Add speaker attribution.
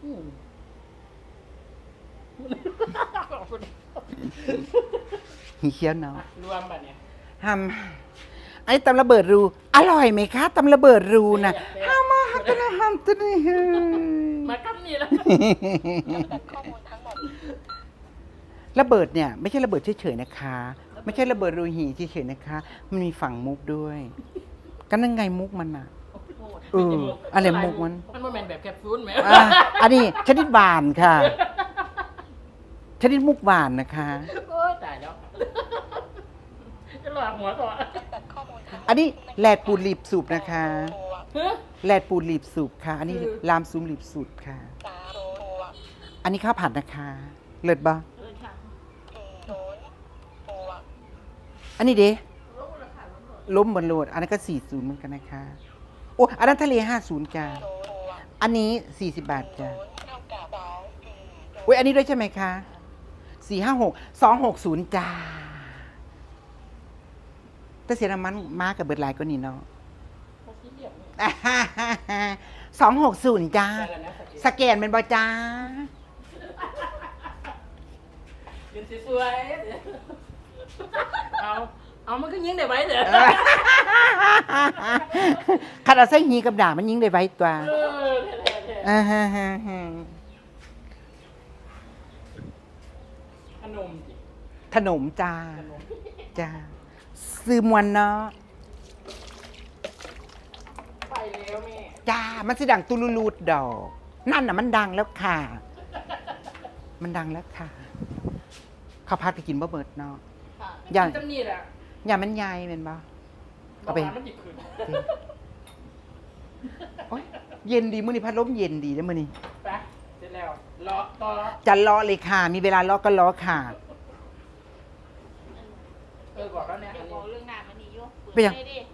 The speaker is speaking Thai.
Speaker 1: หีเคี้ยวเนาะ
Speaker 2: รวมแบบเนี้ย
Speaker 1: ไอ้ตำระเบิดรูอร่อยไหมคะตำระเบิดรูนะห้ามมาฮัตนะฮัมตนี่
Speaker 2: มาคำนี้แล้ว
Speaker 1: ระเบิดเนี่ยไม่ใช่ระเบิดเฉยๆนะคะไม่ใช่ระเบิดรูหีเฉยๆนะคะมันมีฝั่งมุกด้วยก็นั่นไงมุกมันอ่ะอะไรมุกมัน
Speaker 2: โมเมนต์แบบแคปซูลไหม
Speaker 1: อันนี้ชนิดหวานค่ะชนิดมุกหวานนะคะ
Speaker 2: โอ้ตายแล้วจะหลอกหัวก่อน
Speaker 1: อันนี้แลดปูรีบสูบนะคะแลดปูรีบสูบค่ะอันนี้ลามซูมรีบสูบค่ะอันนี้ข้าวผัดนะคะเลิศบ่อันนี้เด้ล้มบนโหลดอันนั้นก็40เหมือนกันนะคะโอ้อันนั้นทะเล50จ้าอันนี้40 บาทจ้าโอ้ยอันนี้ด้วยใช่ไหมคะ456 260จ้าแต่เสียน้ำมันมากับเบิดหลายก็นี่เนาะ260จ้าสแกนเป็นบ่จ้า
Speaker 2: ยืนสวยเอามันก็ยิงได้ไว้เด้อ
Speaker 1: คันเอาใส่หีกับด่ามันยิงได้ไว้ตัวขนมจ้าจ้าซื้อมวนเนาะ
Speaker 2: ไปแล้วแม่
Speaker 1: จ้ามันสิดังตุลูลูดดอกนั่นน่ะมันดังแล้วค่ะมันดังแล้วค่ะข้าวผัดไปกินบ่เบิดเนาะ
Speaker 2: อย่างจำนี่แหละ
Speaker 1: อย่ามันใหญ่เป็นบ่เอาไปโอ๊ยเย็นดีมื้อนี้พัดลมเย็นดีนะมื้อนี้
Speaker 2: ไปเสร็จแล้วรอต่อ
Speaker 1: จะรอเลยค่ะมีเวลารอก็รอค่ะ
Speaker 2: บอกแล้วเนี่ย
Speaker 3: บอกเรื่องหน้ามันนี่อยู่
Speaker 1: ไปยัง